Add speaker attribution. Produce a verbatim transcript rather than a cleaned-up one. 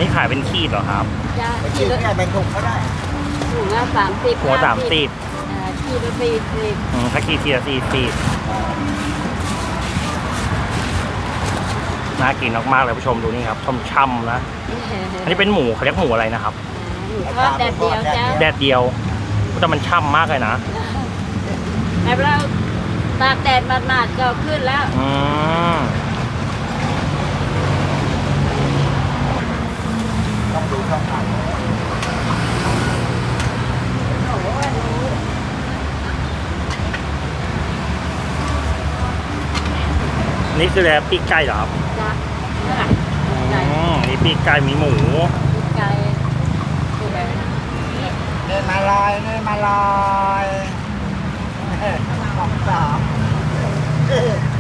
Speaker 1: นี่ขายเป็นขีดเหรอครับ
Speaker 2: จะ
Speaker 3: ไป
Speaker 2: ขี
Speaker 3: กิ
Speaker 2: ด
Speaker 3: น
Speaker 2: ละ
Speaker 3: เนี่ยเป็นถุงก็ได้
Speaker 2: ถุงละสามสิบ
Speaker 1: หัวสามสิบ
Speaker 2: อ่าขีดละสี่สิบ
Speaker 1: อืมถ้าขีดทีละสี่สิบน่ากินมากๆเลยผู้ชมดูนี่ครับช่ำๆนะ อันนี้เป็นหมูเขาเรียกหมูอะไรนะครับ
Speaker 2: หมูทอดแดดเดียวจ้า
Speaker 1: แดดเดียวแต่มันช่ำมากเลยนะ
Speaker 2: แล้วเราตากแดดมาดๆก็ขึ้นแล้ว
Speaker 1: อืม
Speaker 3: ต้องดูช่องทาง
Speaker 1: นี่คือแล้วปีกไก่เหรอครับ
Speaker 2: จ้ะไก่
Speaker 1: อืมนี่ปีกไก่มีหมู
Speaker 2: ไก่ตัวไหน
Speaker 3: เดินมาลอยเดินมาลอยสองสาม